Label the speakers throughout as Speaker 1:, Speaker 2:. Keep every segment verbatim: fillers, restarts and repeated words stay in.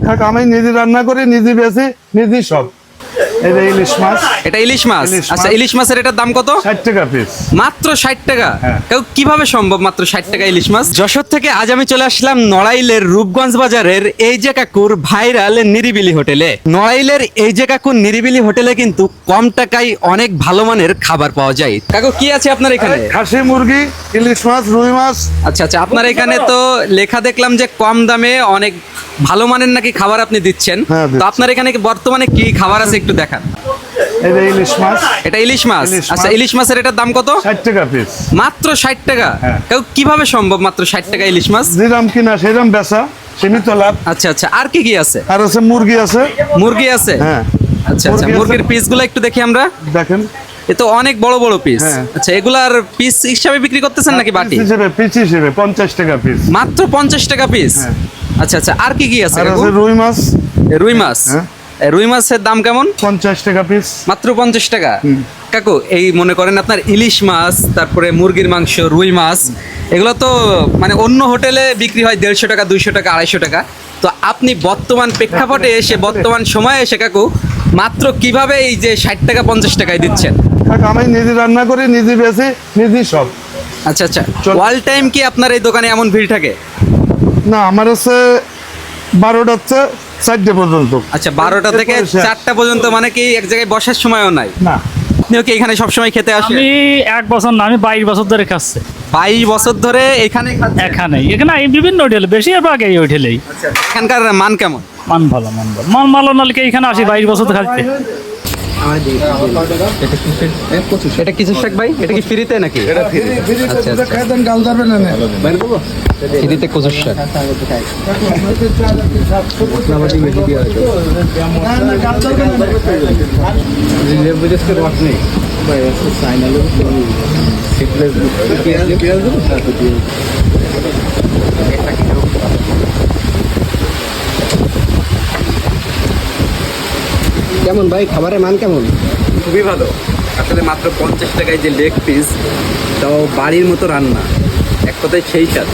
Speaker 1: থাক, আমি নিজে রান্না করি, নিজে বেশি, নিজে সব। এটা ইলিশ মাছ।
Speaker 2: এটা ইলিশ মাছ।
Speaker 1: ইলিশ মাছ।
Speaker 2: আচ্ছা, ইলিশ মাছের এটার দাম কত?
Speaker 1: ষাট টাকা পিস।
Speaker 2: মাত্র ষাট টাকা?
Speaker 1: হ্যাঁ।
Speaker 2: কেউ কিভাবে সম্ভব মাত্র ষাট টাকা ইলিশ মাছ? যশোর থেকে আজ আমি চলে আসলাম নড়াইলের রূপগঞ্জ বাজারের এই যে কাকুর ভাইরাল নিরিবিলি হোটেলে। নড়াইলের এই যে কাকুর নিরিবিলি হোটেলে কিন্তু কম টাকায় অনেক ভালো মানের খাবার পাওয়া যায়। কাকু কি আছে আপনার এখানে?
Speaker 1: খাসি মুরগি, ইলিশ মাছ, রুই মাছ।
Speaker 2: আচ্ছা আচ্ছা, আপনার এখানে তো লেখা দেখলাম যে কম দামে অনেক ভালো মানের নাকি খাবার আপনি দিচ্ছেন।
Speaker 1: হ্যাঁ,
Speaker 2: তো
Speaker 1: দিচ্ছি।
Speaker 2: আপনার এখানে কি বর্তমানে কি খাবার আছে একটু দেখান।
Speaker 1: এটা ইলিশ মাছ।
Speaker 2: এটা ইলিশ মাছ।
Speaker 1: ইলিশ
Speaker 2: আচ্ছা,
Speaker 1: মাছ।
Speaker 2: ইলিশ মাছের এটার দাম কত?
Speaker 1: ষাট টাকা পিস।
Speaker 2: মাত্র ষাট টাকা?
Speaker 1: হ্যাঁ।
Speaker 2: কেউ কিভাবে সম্ভব মাত্র ষাট টাকা ইলিশ মাছ?
Speaker 1: যেরাম কিনা সেরাম বেচা, সীমিত লাভ।
Speaker 2: আচ্ছা আচ্ছা, আর কি কি আছে?
Speaker 1: আর আছে মুরগি আছে।
Speaker 2: মুরগি আছে?
Speaker 1: হ্যাঁ।
Speaker 2: আচ্ছা আচ্ছা,
Speaker 1: মুরগি আছে।
Speaker 2: মুরগির পিসগুলো একটু দেখি আমরা।
Speaker 1: দেখেন
Speaker 2: এ তো অনেক বড় বড় পিস।
Speaker 1: হ্যাঁ।
Speaker 2: আচ্ছা, এগুলার পিস হিসাবে বিক্রি করতেছেন নাকি বাটি?
Speaker 1: পিস হিসেবে, পিস হিসেবে পঞ্চাশ টাকা পিস।
Speaker 2: মাত্র পঞ্চাশ টাকা পিস?
Speaker 1: হ্যাঁ।
Speaker 2: আচ্ছা আচ্ছা, আর কি কি আছে
Speaker 1: আর
Speaker 2: কাকু?
Speaker 1: আছে রুই মাছ।
Speaker 2: এ, রুই মাছ।
Speaker 1: হ্যাঁ।
Speaker 2: এ, রুই মাছের দাম কেমন?
Speaker 1: পঞ্চাশ টাকা পিস।
Speaker 2: মাত্র পঞ্চাশ টাকা? কাকু এই মনে করেন আপনার ইলিশ মাছ, তারপরে মুরগির মাংস, রুই মাছ, এগুলো তো মানে অন্য হোটেলে বিক্রি হয় দেড়শো টাকা, দুইশো টাকা, আড়াইশো টাকা। তো আপনি বর্তমান প্রেক্ষাপটে এসে, বর্তমান সময়ে এসে কাকু মাত্র কিভাবে এই যে ষাট টাকা পঞ্চাশ টাকায় দিচ্ছেন?
Speaker 1: থাক, আমি নিজে রান্না করি, নিজে বেশি, নিজে সব।
Speaker 2: আচ্ছা আচ্ছা,
Speaker 1: চল।
Speaker 2: অল টাইম কি আপনার এই দোকানে এমন ভিড় থাকে?
Speaker 1: না, আমার হচ্ছে বারোটা হচ্ছে চারটে পর্যন্ত।
Speaker 2: আচ্ছা, বারোটা থেকে
Speaker 1: এরপরে শেষ।
Speaker 2: চারটা পর্যন্ত, মানে কি এক জায়গায় বসার সময়ও নাই?
Speaker 1: না।
Speaker 2: আপনিও কি এখানে সবসময় খেতে আসেন?
Speaker 3: আমি এক বছর না, আমি বাইশ বছর ধরে খাচ্ছি
Speaker 2: বাইশ বছর ধরে এখানে খাচ্ছেন?
Speaker 3: এখানে এখানে এই বিভিন্ন হোটেলে, বেশিরভাগ এই হোটেলেই।
Speaker 2: আচ্ছা, এখানকার মান কেমন?
Speaker 3: মান ভালো, মান ভালো, মান ভালো নালকে এখানে আসি বাইশ বছর খাচ্ছি।
Speaker 2: এটা কিছু শাক ভাই, এটা কি ফ্রিতে নাকি? আচ্ছা আচ্ছা, ফ্রিতে কচুর শাক।
Speaker 4: কেমন ভাই, খাবারের মান কেমন?
Speaker 2: খুবই ভালো। আসলে মাত্র পঞ্চাশ টাকায় যে লেগ পিস, তাও বাড়ির মতো রান্না, এক কথায় সেই স্বাদ।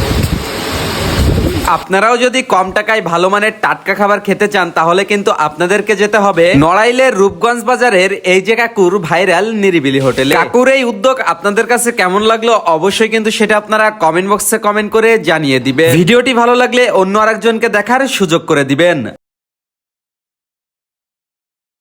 Speaker 2: আপনারাও যদি কম টাকায় ভালো মানের টাটকা খাবার খেতে চান, তাহলে কিন্তু আপনাদেরকে যেতে হবে নড়াইলের রূপগঞ্জ বাজারের এই যে কাকুর ভাইরাল নিরিবিলি হোটেলে। কাকুর এই উদ্যোগ আপনাদের কাছে কেমন লাগলো অবশ্যই কিন্তু সেটা আপনারা কমেন্ট বক্সে কমেন্ট করে জানিয়ে দিবেন। ভিডিওটি ভালো লাগলে অন্য আরেকজনকে দেখার সুযোগ করে দিবেন।